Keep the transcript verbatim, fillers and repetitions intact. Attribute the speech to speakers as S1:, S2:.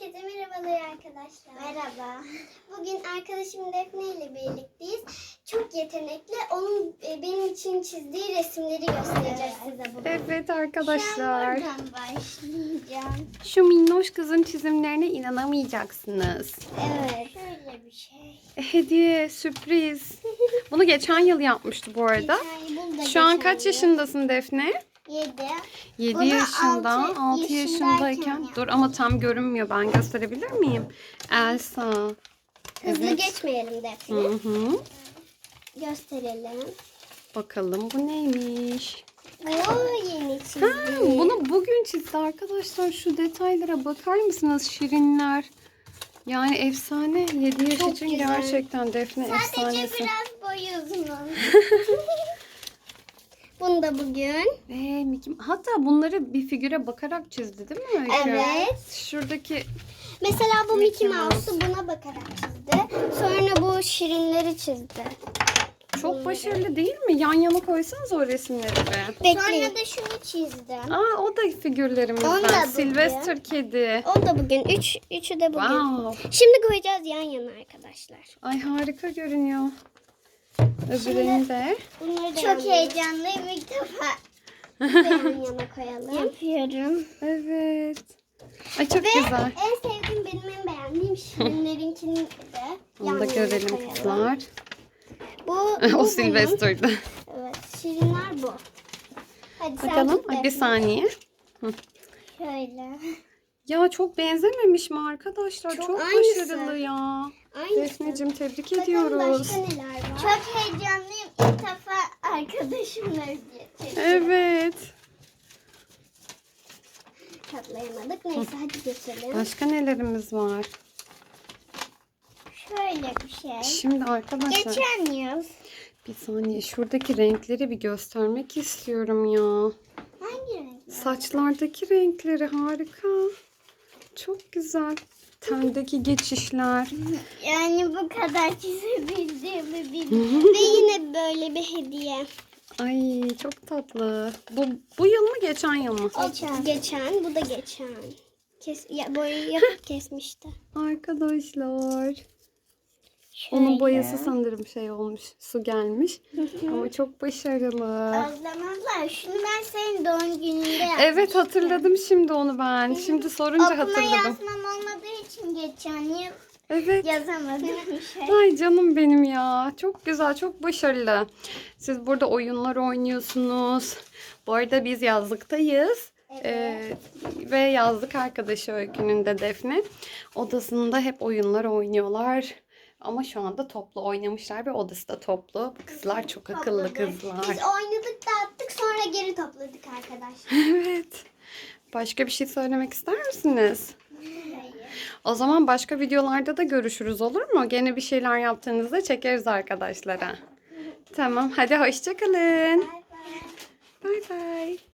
S1: Herkese merhabalar arkadaşlar. Merhaba. Bugün arkadaşım Defne ile birlikteyiz. Çok yetenekli. Onun e, benim için çizdiği resimleri göstereceğiz size bugün.
S2: Evet
S1: Şu
S2: arkadaşlar.
S1: an buradan başlayacağım.
S2: Şu minnoş kızın çizimlerine inanamayacaksınız.
S1: Evet. Şöyle bir şey.
S2: Hediye, sürpriz. Bunu geçen yıl yapmıştı bu arada.
S1: Geçen yıl, bunu da
S2: Şu an
S1: geçen
S2: kaç
S1: yıl.
S2: yaşındasın Defne?
S1: Yedi.
S2: yedi
S1: Bunu
S2: yaşında,
S1: altı
S2: altı
S1: yaşındayken
S2: yaşındayken. Dur ama tam görünmüyor. Ben gösterebilir miyim? Elsa.
S1: Hızlı
S2: Evet.
S1: geçmeyelim Defne.
S2: Hı hı.
S1: Gösterelim.
S2: Bakalım bu neymiş?
S1: Oo, yeni çizdi.
S2: Ha, bunu bugün çizdi arkadaşlar. Şu detaylara bakar mısınız? Şirinler. Yani efsane. yedi yaş
S1: Çok
S2: için
S1: güzel.
S2: gerçekten Defne
S1: Sadece
S2: efsanesi.
S1: biraz boyu uzun. Bunu da bugün.
S2: Ve Mickey... Hatta bunları bir figüre bakarak çizdi değil mi Öykü?
S1: Evet.
S2: Şuradaki
S1: Mesela bu
S2: Mickey
S1: Mickey Mouse'u buna bakarak çizdi. Sonra bu şirinleri çizdi.
S2: çok başarılı değil mi? Yan yana koysanız o resimleri be.
S1: Sonra da şunu çizdi.
S2: Aa o da
S1: Onu
S2: figürlerimizden.
S1: da
S2: Sylvester kedi.
S1: O da bugün. Üç, üçü de bugün.
S2: Wow.
S1: Şimdi koyacağız yan yana arkadaşlar.
S2: Ay harika görünüyor. Öbürünü de.
S1: Bunları da Çok heyecanlıyım ilk defa. yan yana koyalım. Yapıyorum.
S2: Evet. Ay çok
S1: Ve
S2: güzel.
S1: en sevdiğim benim en beğendiğim şirinlerinkini de yan
S2: Onu da
S1: yana
S2: görelim
S1: koyalım.
S2: kızlar.
S1: Bu,
S2: o
S1: bu bunun.
S2: Sylvester'dı.
S1: Evet, şirinler bu. Hadi sen
S2: Bakalım.
S1: tut
S2: Ay, bir
S1: Defne.
S2: saniye.
S1: Şöyle.
S2: Ya çok benzememiş mi arkadaşlar?
S1: Çok
S2: Çok,
S1: aynısı.
S2: başarılı ya.
S1: Aynısı.
S2: Defneciğim tebrik
S1: Bakalım
S2: ediyoruz.
S1: başka neler var? Çok heyecanlıyım. İlk defa arkadaşımla geçeceğim.
S2: Evet.
S1: Katlayamadık. Neyse hadi geçelim.
S2: Başka nelerimiz var?
S1: Şöyle bir şey.
S2: Şimdi arkadaşlar
S1: Geçen yıl.
S2: bir saniye şuradaki renkleri bir göstermek istiyorum ya.
S1: Hangi renk?
S2: Saçlardaki renkleri harika. Çok güzel. Tendeki geçişler.
S1: Yani bu kadar çizebildiğimi bilmiyorum. Ve yine böyle bir hediye.
S2: Ay çok tatlı. Bu, bu yıl mı geçen yıl mı?
S1: Geçen. Geçen. Bu da geçen. Kes, ya, boyayı yapıp kesmişti.
S2: Arkadaşlar. Onun boyası sanırım şey olmuş. Su gelmiş. Ama çok başarılı.
S1: Özlemezler. Şunu ben senin doğum gününde yapmıştım.
S2: Evet hatırladım şimdi onu ben. Şimdi sorunca
S1: Okuma
S2: hatırladım.
S1: yazmam olmadığı için geçen yıl
S2: Evet.
S1: yazamadım bir şey.
S2: Ay canım benim ya. Çok güzel, çok başarılı. Siz burada oyunlar oynuyorsunuz. Bu arada biz yazlıktayız.
S1: Evet.
S2: Ee, ve yazlık arkadaşı Öykü'nün de Defne. Odasında hep oyunlar oynuyorlar. Ama şu anda toplu oynamışlar ve odası da toplu. Kızlar çok akıllı
S1: Topladık.
S2: kızlar.
S1: Biz oynadık dağıttık sonra geri topladık arkadaşlar.
S2: Evet. Başka bir şey söylemek ister misiniz? O zaman başka videolarda da görüşürüz olur mu? Gene bir şeyler yaptığınızda çekeriz arkadaşlara. Tamam hadi hoşça kalın.
S1: Bay bay.
S2: Bay bay.